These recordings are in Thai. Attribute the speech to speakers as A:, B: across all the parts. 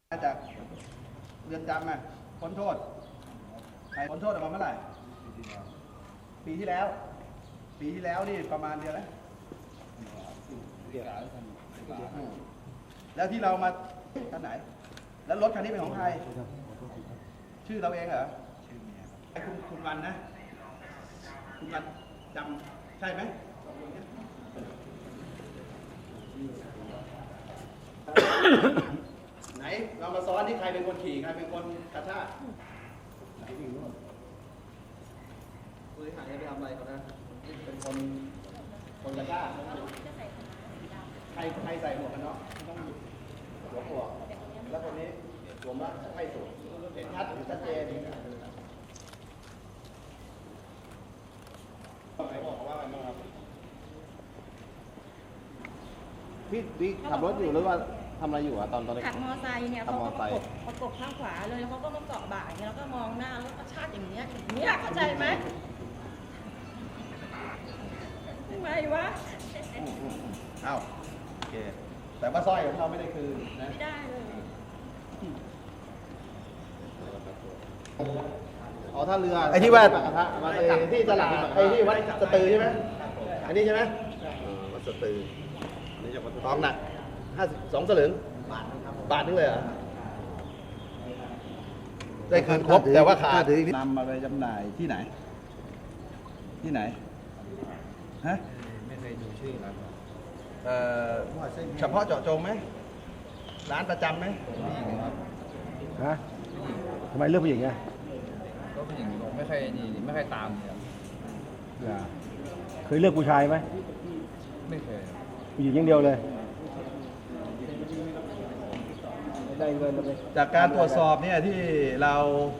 A: มาจากเรือนจำพ้นโทษใครพ้นโทษออกมาเมื่อไหร่ปีที่แล้วนี่ประมาณเดือนแล้วแล้วที่เรามาท่านไหนแล้วรถคันนี้เป็นของใครชื่อเราเองเหรอคุณวันนะคุณวันจำใช่ไหมไหนเรามาซ้อนที่ใครเป็นคนขี่ใครเป็นคนกระชากไหนวิ่งนู่นผู้ที่หายไปทำอะไรเขานะเป็นคนกระชากใครใส่หมวกกันน็อกต้องหัวหมวกแล้วคนนี้สวมแล้วไม่สวมเห็นชัดเจนไหนบอกว่าอะไรบ้างครับพี่ขับรถอยู่หรือว่าทำอะไรอยู่ตอนนี้
B: ขับมอไซค์เนี่ยเขาก็ประกบข้างขวาเลยแล้วเขาก็มาเกาะบ่าอย่างเงี้ยแล้วก็มองหน้าแล้วก็ชาติอย่างเงี้ยเข้าใจไหมทำไมวะ
A: อ้าวโอเคแต่ว่าสร้อยของเราไม่ได้คืนนะ
B: ไม่ได้เลย
A: อ๋อท่าเรือไอ้ที่ว่าที่ตลาดไอ้ที่วัดสตือใช่ไหมอันนี้ใช่ไหมวัดสตือทองหนัก2 สลึงบาทนึงเลยเหรอได้คืนครบแต่ว่าขาดนำมาไปจำหน่ายที่ไหนฮะ
C: ไม่เคยดูชื่อร้าน
A: เฉพาะเจาะจงไหมร้านประจำไหม
C: ผู้หญิงครับ
D: ฮะทำไมเลือกผู้หญิงอ่ะ
C: ก็ผู้หญิงไม่เคยนี่ไม่เคยตามเลยครับ
D: เคยเลือกผู้ชายไหม
C: ไม่เคย
D: ผู้หญิงอย่างเดียวเลยได้เงินเลย
A: จากการตรวจสอบเนี่ยที่เรา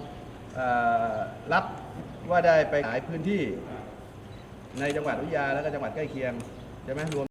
A: รับว่าได้ไปหลายพื้นที่ในจังหวัดวิทยาแล้วก็จังหวัดใกล้เคียงใช่ไหมรวม